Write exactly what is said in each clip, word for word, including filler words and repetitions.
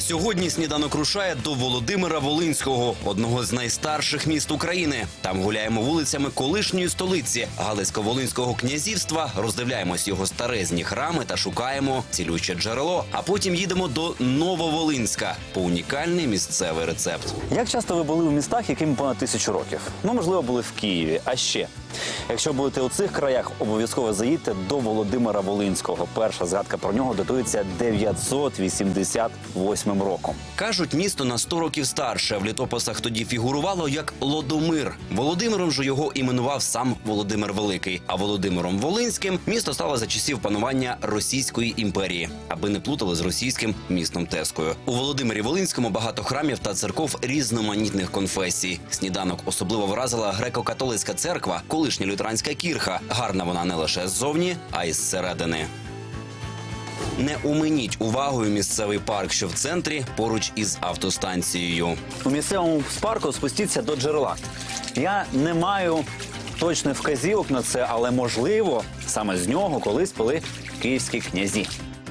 Сьогодні сніданок рушає до Володимира Волинського, одного з найстарших міст України. Там гуляємо вулицями колишньої столиці Галицько-Волинського князівства, роздивляємось його старезні храми та шукаємо цілюще джерело. А потім їдемо до Нововолинська по унікальний місцевий рецепт. Як часто ви були у містах, яким понад тисячу років? Ну, можливо, були в Києві. А ще, якщо будете у цих краях, обов'язково заїдьте до Володимира Волинського. Перша згадка про нього датується дев'ятсот вісімдесят восьмим роком. Кажуть, місто на сто років старше. В літописах тоді фігурувало як Лодомир. Володимиром же його іменував сам Володимир Великий. А Володимиром Волинським місто стало за часів панування Російської імперії, аби не плутали з російським містом Тескою. У Володимирі Волинському багато храмів та церков різноманітних конфесій. Сніданок особливо вразила греко-католицька церква, колишня лютеранська кірха. Гарна вона не лише ззовні, а й зсередини. Не оминіть увагою місцевий парк, що в центрі, поруч із автостанцією. У місцевому парку спустіться до джерела. Я не маю точних вказівок на це, але, можливо, саме з нього колись пили київські князі.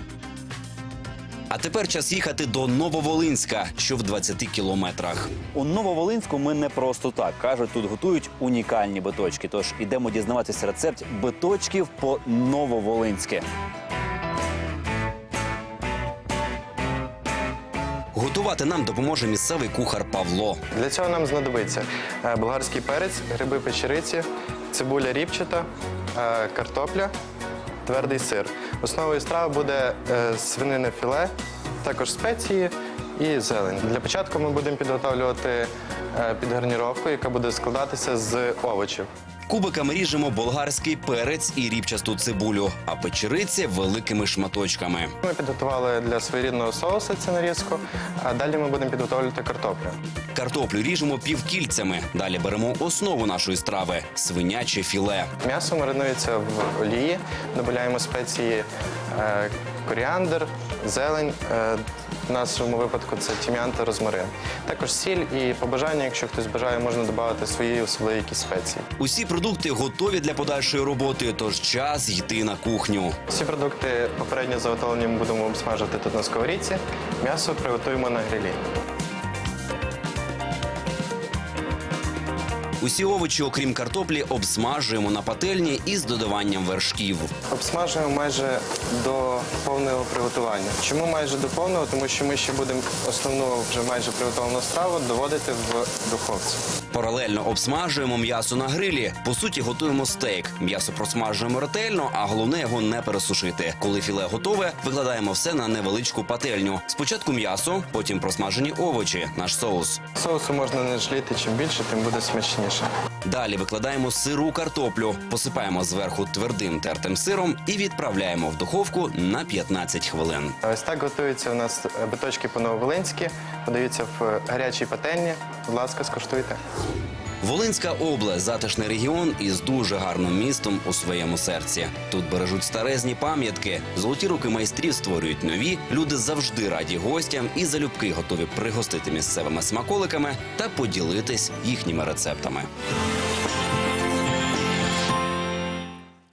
А тепер час їхати до Нововолинська, що в двадцяти кілометрах. У Нововолинську ми не просто так. Кажуть, тут готують унікальні биточки. Тож ідемо дізнаватися рецепт биточків по-нововолинськи. Готувати нам допоможе місцевий кухар Павло. Для цього нам знадобиться болгарський перець, гриби печериці, цибуля ріпчата, картопля, твердий сир. Основою страви буде свинине філе, також спеції і зелень. Для початку ми будемо підготовлювати підгарніровку, яка буде складатися з овочів. Кубиками ріжемо болгарський перець і ріпчасту цибулю, а печериці великими шматочками. Ми підготували для своєрідного соусу цю нарізку, а далі ми будемо підготовлювати картоплю. Картоплю ріжемо півкільцями. Далі беремо основу нашої страви – свиняче філе. М'ясо маринується в олії, додаємо спеції коріандр, зелень. В нашому випадку це тим'ян та розмарин. Також сіль і по бажанню, якщо хтось бажає, можна додати свої особливі якісь спеції. Усі продукти готові для подальшої роботи, тож час йти на кухню. Всі продукти попередньо заготовлені ми будемо обсмажити тут на сковорідці. М'ясо приготуємо на грилі. Усі овочі, окрім картоплі, обсмажуємо на пательні із додаванням вершків. Обсмажуємо майже до повного приготування. Чому майже до повного? Тому що ми ще будемо основну вже майже приготовлену страву доводити в духовці. Паралельно обсмажуємо м'ясо на грилі. По суті, готуємо стейк. М'ясо просмажуємо ретельно, а головне його не пересушити. Коли філе готове, викладаємо все на невеличку пательню. Спочатку м'ясо, потім просмажені овочі, наш соус. Соусу можна не жаліти, чим більше, тим буде смачніше. Далі викладаємо сиру картоплю, посипаємо зверху твердим тертим сиром і відправляємо в духовку на п'ятнадцять хвилин. Ось так готуються у нас биточки по-нововолинськи, подаються в гарячій пательні. Будь ласка, скуштуйте. Волинська область – затишний регіон із дуже гарним містом у своєму серці. Тут бережуть старезні пам'ятки, золоті руки майстрів створюють нові, люди завжди раді гостям і залюбки готові пригостити місцевими смаколиками та поділитись їхніми рецептами.